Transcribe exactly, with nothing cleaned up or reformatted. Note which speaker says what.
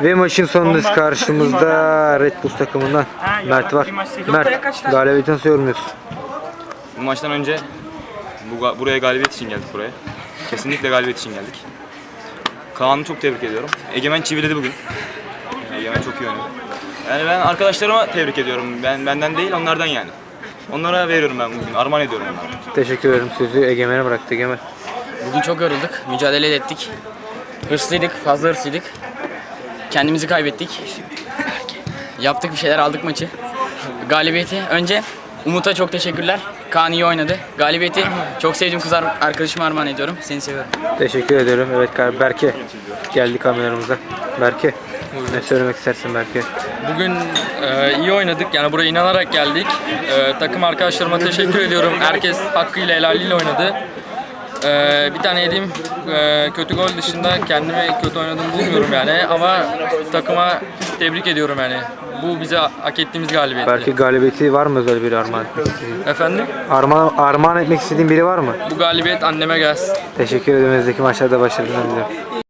Speaker 1: Ve maçın sonunda karşımızda Red Bull takımından Mert var. Mert, galibiyeti nasıl yorumluyorsun?
Speaker 2: Bu maçtan önce bu, buraya galibiyet için geldik buraya. Kesinlikle galibiyet için geldik. Kaan'ı çok tebrik ediyorum. Egemen çiviledi bugün. Egemen çok iyi oynadı. Yani ben arkadaşlarıma tebrik ediyorum. Ben benden değil, onlardan yani. Onlara veriyorum ben bugün. Armağan ediyorum onlara.
Speaker 1: Teşekkür ederim. Sözü Egemen'e bıraktı. Egemen.
Speaker 3: Bugün çok yorulduk, mücadele ettik. Hırslıydık, fazla hırslıydık. Kendimizi kaybettik. Yaptık bir şeyler, aldık maçı. Galibiyeti önce Umut'a çok teşekkürler. Kaan iyi oynadı. Galibiyeti çok sevdiğim kız arkadaşıma armağan ediyorum. Seni seviyorum.
Speaker 1: Teşekkür ederim. Evet Berke geldi kameramıza. Berke, ne söylemek istersin Berke?
Speaker 4: Bugün e, iyi oynadık. Yani buraya inanarak geldik. E, takım arkadaşlarıma teşekkür ediyorum. Herkes hakkıyla helaliyle oynadı. E, bir tane yediğim e, kötü gol dışında kendimi kötü oynadığımı bulmuyorum yani. Ama takıma tebrik ediyorum yani. Bu bize hak ettiğimiz galibiyetti.
Speaker 1: Berke, galibiyeti var mı özel bir armağan etmek istediğin?
Speaker 4: Efendim?
Speaker 1: Armağan, armağan etmek istediğin biri var mı?
Speaker 4: Bu galibiyet anneme gelsin.
Speaker 1: Teşekkür ederim. Önümüzdeki maçlarda başarılar diliyorum.